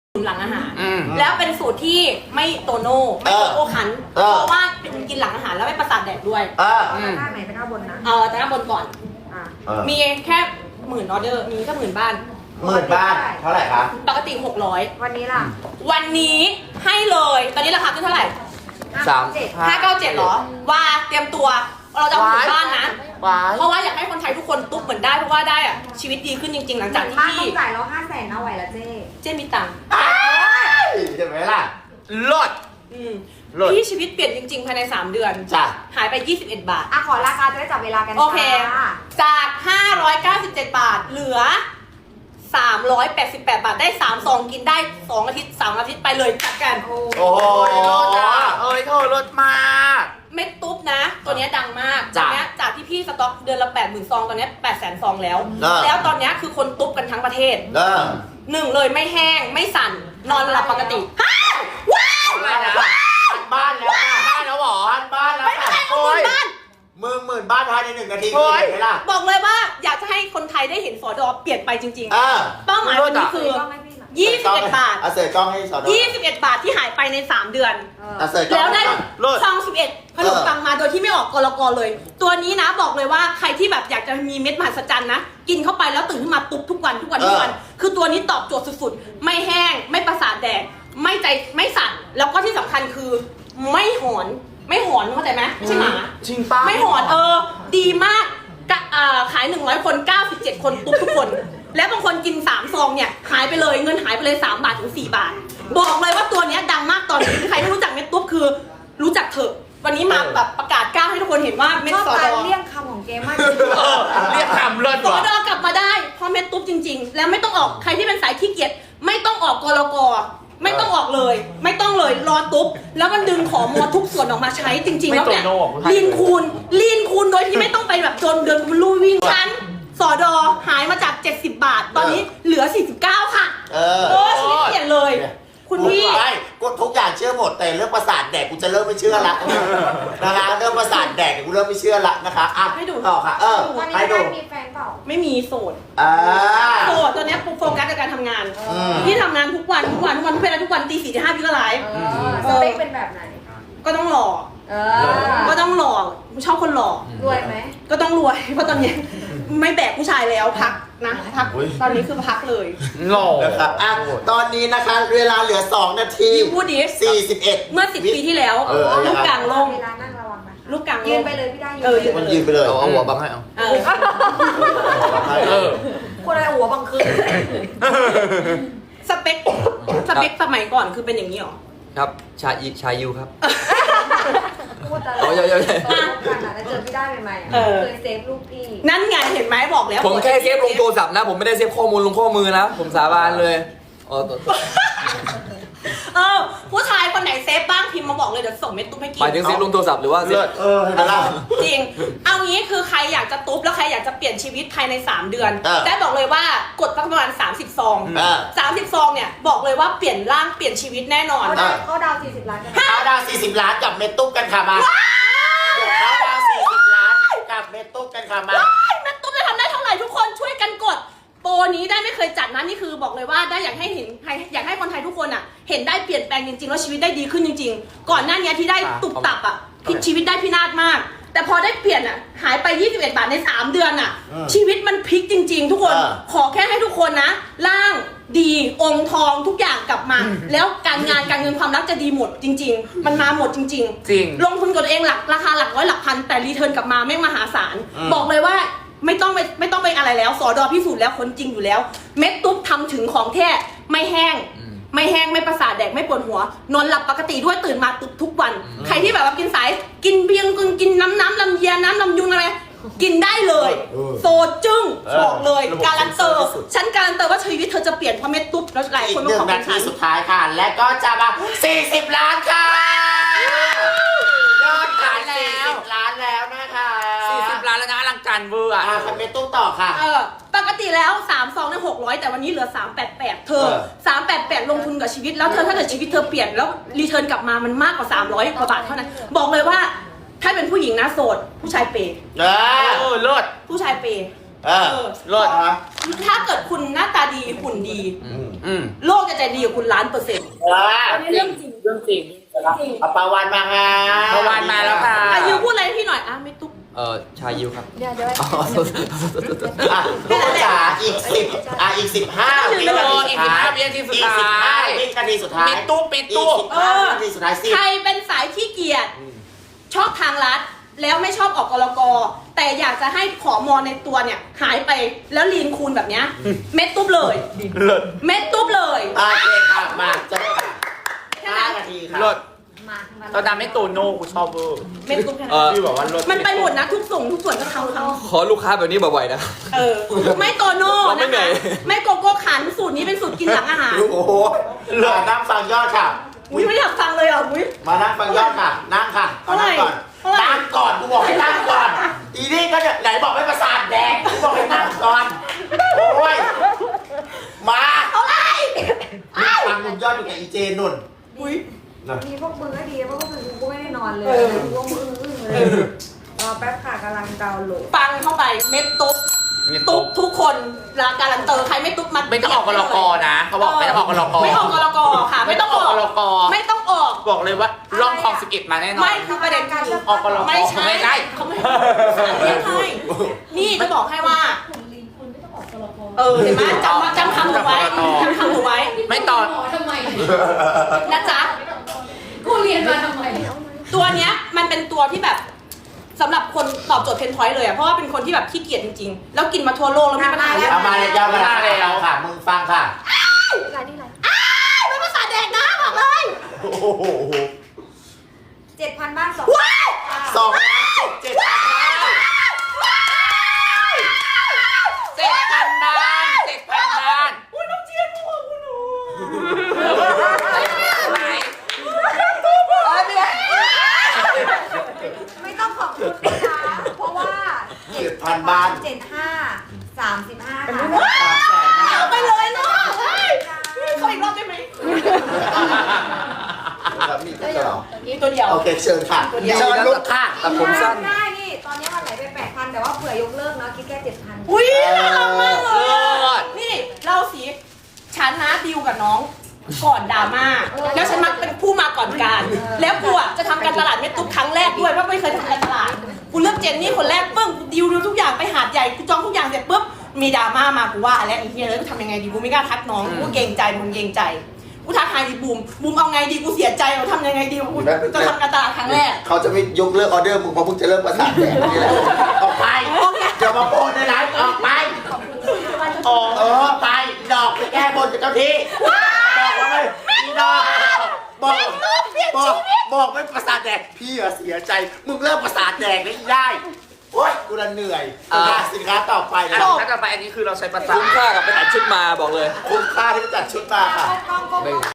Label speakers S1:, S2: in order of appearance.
S1: สูตรหลังอาหารแล้วเป็นสูตรที่ไม่โตโน่ไม่โอคันเพราะว่าเป็นกินหลังอาหารแล้วไม่ประสาทแดกด้วย
S2: ท่าไหนเป็นท่าบนนะ
S1: แต่หน้าบนก่อนมีแค่10,000 ออเดอร์มีแค่10,000 บ้าน
S3: 10,000 บ้านเท่าไหร่คะ
S1: ปกติ600
S2: วันนี้ล่ะ
S1: วันนี้ให้เลยตอนนี้ราคาขึ้นเท่าไหร่597เหรอว่าเตรียมตัวเราจะเอา10,000 บ้านนะเพราะว่าอยากให้คนไทยทุกคนตุ๊บเหมือนได้เพราะว่าได้อะชีวิตดีขึ้นจริงๆหลังจากที่
S2: บ้านต้องจ่ายเรา500,000เอาไหวละ
S1: เจ๊มีตังค์
S3: เห็นไหมล่ะลด
S1: พี่ชีวิตเปลี่ยนจริงๆภายใน3 เดือน
S3: จ้ะ
S1: หายไป21 บาท
S2: ขอราคาจะได้จับเวลากัน
S1: โอเคจาก597 บาทเหลือ388 บาทได้3 ซองกินได้2 อาทิตย์3 อาทิตย์ไปเลยจัดกัน
S3: โอ้ยลดอ่ะ
S4: ลดมาก
S1: เม็ดตุ๊บนะตัวนี้ดังมากตัวนี้จากที่พี่สต็อกเดือนละ 80,000 ซองตอนนี้ 800,000 ซองแล้วแล้วตอนนี้คือคนตุ๊บกันทั้งประเทศ1เลยไม่แห้งไม่สั่นนอนหลับปกติว้าว
S3: บ้านแล้วค่ะ
S4: บ้านแล้วหรอ
S3: บ้านแล้วค่ะ
S1: โอ้ย
S3: 10,000 บ้านภายใน1 นาทีเห็นไหมล่ะ
S1: บอกเลยว่าอยากจะให้คนไทยได้เห็นสอดอเปลี่ยนไปจริงๆเป้าหมายวันนี้คือ21 บาท
S3: เสิร์ฟกล้องให้สอด
S1: 21 บาทที่หายไปใน3 เดือน
S3: แล้
S1: วได้ซอง11ขนมปังมาโดยที่ไม่ออกกลกเลยตัวนี้นะบอกเลยว่าใครที่แบบอยากจะมีเม็ดมหัศจรรย์นะกินเข้าไปแล้วตื่นขึ้นมาตุ๊บทุกวันคือตัวนี้ตอบโจทย์สุดๆไม่แห้งไม่ประสาทแดกไม่ใจไม่สั่นแล้วก็ที่สำคัญคือไม่หอนเข้าใจไหมใช่หมา
S4: จริงป้า
S1: ไม่หอนดีมากขาย100 คน97 คนตุ๊บทุกคนแล้วบางคนกิน3 ซองเนี่ยหายไปเลยเงินหายไปเลย3 บาทถึง4 บาทบอกเลยว่าตัวนี้ดังมากตอนนี้ใครไม่รู้จักเม็ดตุ๊บคือรู้จักเถอะวันนี้มาแบบประกาศกล้าให้ทุกคนเห็นว่าเม็ดสอดอ
S2: เรียกคำของเกมมาก
S4: เรียกคำเลิศ
S1: สอดอกลับมาได้เพราะเม็ดตุ๊บจริงๆแล้วไม่ต้องออกใครที่เป็นสายขี้เกียจไม่ต้องออกกลกไม่ต้องออกเลยไม่ต้องเลยรอตุ๊บแล้วมันดึงของมอทุกส่วนออกมาใช้จริงๆแล้วเนี่ยลีนคูณโดยที่ไม่ต้องไปแบบจนเดินลู่วิ่งชั้นสอดอหายมาจาก70 บาทตอนนี้เหลือ49ค่ะชีวิตเปลี่ยนเลยคุณพี่
S3: ไม่กูทุกอย่างเชื่อหมดแต่เรื่องประสาทแดกกูจะเริ่มไม่เชื่อละนะคะเรื่องประสาทแดกกูเริ่มไม่เชื่อละนะคะ
S1: ให้ดู
S3: ต่อค่ะ
S2: ให้ดูมีแฟนเปล่า
S1: ไม่มีโสดตัวนี้โฟกัสกับการทำงานพี่ทำงานทุกวันทุกเวลาทุกวันตี 4 ถึง 5พี่ก็ไลฟ์
S2: สเปคเป็นแบบไหน
S1: ก็ต้องหล่อก็ต้องหล่อชอบคนหล่อ
S2: รวยไหม
S1: ก็ต้องรวยเพราะตอนนี้ไม่แบกผู้ชายแล้วพักนะพักตอนนี้คือพักเลย
S3: หล่อนะครับตอนนี้นะคะเวลาเหลือ2 นาที
S1: พูดดิ
S3: 41
S1: เมื่อ10 ปีที่แล้วลูกกลางลงลูกกลาง
S2: ยืนไปเลยพี่ได้
S3: ยืนไปเลย
S4: เอาหัวบังให้เอา
S2: คนอะไรหัวบังคือ
S1: สเปคสมัยก่อนคือเป็นอย่างนี้หรอ
S4: ครับชายูครับ
S2: พูดอะไรกันแล้วเจอพี่ได้ใหม่ๆเคยเซฟรูปพี่
S1: นั่นไงเห็นไหมบอกแล้ว
S4: ผมแค่เซฟลงโทรศัพท์นะผมไม่ได้เซฟข้อมูลลงข้อมือนะผมสาบานเลย
S1: ผู้ชายคนไหนเซฟบ้างพิมพ์มาบอกเลยเดี๋ยวส่งเม็ดตุ๊บให้กิน
S4: หมายถึงเซฟลงโทรศัพท์หรือว่าเซฟ
S1: จริงเอางี้คือใครอยากจะตุ๊บแล้วใครอยากจะเปลี่ยนชีวิตภายใน3 เดือนได้บอกเลยว่ากดประมาณ30 ซอง30 ซองเนี่ยบอกเลยว่าเปลี่ยนร่างเปลี่ยนชีวิตแน่นอน
S2: เขาดาว40 ล้าน
S3: เขาดาว40 ล้านกับเม็ดตุ๊บกันค่ะมาเขาดาว40 ล้านกับเม็ดตุ๊บกันค่ะมา
S1: เม็ดตุ๊บจะทำได้เท่าไหร่ทุกคนช่วยกันกดโปรนี้ได้ไม่เคยจัดนะนี่คือบอกเลยว่าได้อยากให้เห็นอยากให้คนไทยทุกคนอ่ะเห็นได้เปลี่ยนแปลงจริงๆแล้วชีวิตได้ดีขึ้นจริงๆก่อนหน้านี้ที่ได้ตุบตับอ่ะชีวิตได้พินาศมากแต่พอได้เปลี่ยนอ่ะหายไป21 บาทใน3 เดือนอ่ะชีวิตมันพลิกจริงๆทุกคนขอแค่ให้ทุกคนนะร่างดีองค์ทองทุกอย่างกลับมาแล้วการงานการเงินความรักจะดีหมดจริงๆมันมาหมดจริงๆลงทุนกับตัวเองราคาหลักร้อยหลักพันแต่รีเทิร์นกลับมาไม่มหาศาลบอกเลยว่าไม่ต้องไปอะไรแล้วสอดอพิสูจน์แล้วคนจริงอยู่แล้วเม็ดตุ๊บทำถึงของแท้ไม่แห้งไม่ประสาทแดกไม่ปวดหัวนอนหลับปกติด้วยตื่นมาตุ๊บทุกวันใครที่แบบว่ากินสายกินเบียงกินน้ำลำเยียน้ำลำยุงอะไรกินได้เลยโซจึ้งบอกเลยการันเตอร์ฉันการันเตอร์ว่าชีวิตเธอจะเปลี่ยนเพราะเม็ดตุ๊บแล้วหลายคนมาขอเป็นฉัน
S3: สุดท้ายค่ะและก็จะมา40 ล้านค่ะยอดขาย40 ล้านแล้วนะคะ
S4: 40 ล้านแล้วนะอลังการเวอร์
S3: คันเม็ดตุ๊บต่อค่ะ
S1: ปกติแล้ว3 ซองได้600แต่วันนี้เหลือ388เธอ388ลงทุนกับชีวิตแล้วเธอถ้าเกิดชีวิตเธอเปลี่ยนแล้วรีเทิร์นกลับมามันมากกว่า300 กว่าบาทเท่านั้นบอกเลยว่าถ้าเป็นผู้หญิงนะโสดผู้ชายเปย์
S4: เลิศ
S1: ผู้ชายเปย์
S3: รอดฮะ
S1: ถ้าเกิดคุณหน้าตาดีหุ่นดี โลกจะใจดีกับคุณ1,000,000%
S3: เรื่องจริงเรื่องจริงเอาปาวานมาค่ะปาวานมาแล้วค่ะ
S1: ยูพูดอะไรให้พี่หน่อยไม่ตุ๊ก
S4: ชายิวครับ
S2: เดี๋ยว
S3: ลูกจ๋าอีก10อีก15วินาทีสุดท้ายอีก15วินาทีสุดท้ายปิดตู้อีก15วินาทีสุดท้าย
S1: ใครเป็นสายขี้เกียจชอบทางลัดแล้วไม่ชอบออกกลกแต่อยากจะให้ขอมอในตัวเนี่ยหายไปแล้วลีนคูณแบบเนี้ยเม็ดตุ๊บเลยเม็ดตุ๊บเลย
S3: โอเคค่ะมาจะได้5 นาทีค่ะ
S2: ตอน
S3: ดำไม่ตูโน่กูชอบเวอร์
S1: เม็ดตุ๊บแค่
S3: พี่บอกว่าลด
S1: มันไปหมดนะทุกส่วนก็ทำเขา
S4: ขอลูกค้าแบบนี้บ่อยๆนะ
S1: ไม่โตโน่
S4: เราไม่เหนื่อย
S1: ไม่โกโก้ขันสูตรนี้เป็นสูตรกินหลังอาหาร
S3: โอ้โหเหลือนั่งฟังยอดค่ะ
S1: อุ้ยไม่อยากฟังเลยอ่ะอุ้ย
S3: มานั่งฟังยอดค่ะ นั่งค่ะนั่งก่อนนั่งก่อนกูบอกให้นั่งก่อนอีนี่ก็ไหนบอกให้ประสาทแดงกูบอกให้นั่งก่อนโอ้ยมา
S1: เอาไร
S3: ฟังลุงยอดอยู่กับอีเจนุ่น
S1: อุ้ย
S2: มีพวกมึงก็ดีเพราะพวกมึงกูไม่ได้นอนเลยพวกมึงอึ้งเลยรอแป๊บค่ะกำลังดาวน์โหลด
S1: ฟังเข้าไปเม็ดตุ๊บตุ๊บทุกคนรายการันเตอร์ใครไม่ตุ๊บมัน
S3: ไม่ต้องออกกลกนะเขาบอกไม่ต้องออกกลก
S1: ไม่ออกกลกค่ะไม่ต้องออกไม่ต้องออก
S3: บอกเลยว่าร่องคลอง11มาแน่นอน
S1: ไม่คือประเด็นคือ
S3: ออกกลก
S1: ไม่ใช่
S3: ไม่ได้
S1: เขาไม่ใช่นี่จะบอกให้ว่าเห็นไหมจำคำหนูไว้จำคำหนูไว้
S3: ไม่ตอน
S5: ทำไม
S1: นะจ๊ะ
S5: กูเรียนมาทำไม
S1: ตัวเนี้ยมันเป็นตัวที่แบบสำหรับคนตอบโจทย์เพนพอยต์เลยอ่ะเพราะว่าเป็นคนที่แบบขี้เกียจจริงๆแล้วกินมาทั่วโลกแล้วมีปัญหาแล้ว
S3: เอามาเลยยาวมาแล้วค่ะมึงฟังค่ะ
S1: ไม่ภาษาแดกนะบอกเลย
S3: โอ้โห
S2: 7,000 บ้าน2
S1: ว้าว
S3: 2,700,000 บาท
S1: อุ้ยน้องเจียนมึงบอกกูหนู
S2: ไม่ต้องขอบคุณนะคะเพราะว่า
S3: 7,000 บาท
S2: 75 35ค่ะ
S1: เอาไปเลยเนาะขออีกรอบได้ไหม
S3: มีตัวเดียว
S1: นี่ตัวเดียว
S3: โอเคเชิญค่ะเชิญลูกค่ะ
S4: แต่ผมสั้น
S2: ได้นี่ตอนนี้มันไหลไป 8,000 แต่ว่าเผื่อยกเลิกเนาะคิดแค่ 7,000
S1: อุ้ยน่ารักมากเลยนี่เล่าสิฉันนะดิวกับน้องก่อนดราม่าแล้วฉันมักเป็นผู้มาก่อนการ แล้วกูอ่ะจะทำการตลาดเม็ดตุ๊กครั้งแรกด้วยเพราะไม่เคยทำการตลาดกูเลือกเจนนี่คนแรกปึ้งดิวทุกอย่างไปหาดใหญ่กูจองทุกอย่างเสร็จปุ๊บมีดราม่ามากูว่าแล้วไอ้เหี้ยเลยกูทำยังไงดีกูไม่กล้าทักน้องกูเกรงใจมึงเกรงใจกูทักทายดีบูมเอาไงดีกูเสียใจกูทำยังไงดีกูจะทำการตลาดครั้งแรก
S3: เขาจะไม่ยกเลิกออเดอร์มึงเพราะมึงจะเริ่มประสาทแดงนี่แหละออกไปอย่ามาโพสในไลฟ์ออกไปไปดอกไปแก้บนกับเจ้าที่บอกว่าไม่พี่ดอกบอกไม่ประสาทแดงพี่อะเสียใจมึงเริ่มประสาทแดงได้โอ๊ยกูละเหนื่อยสินค้าต่อไปนะ
S6: ถ้าต่อไปอันนี้คือเราใช้ประจำ
S4: คุ้มค่ากับไปตัดชุดมาบอกเลย
S3: คุ้มค่าที่จัดชุดมาค่ะ
S2: กล้อง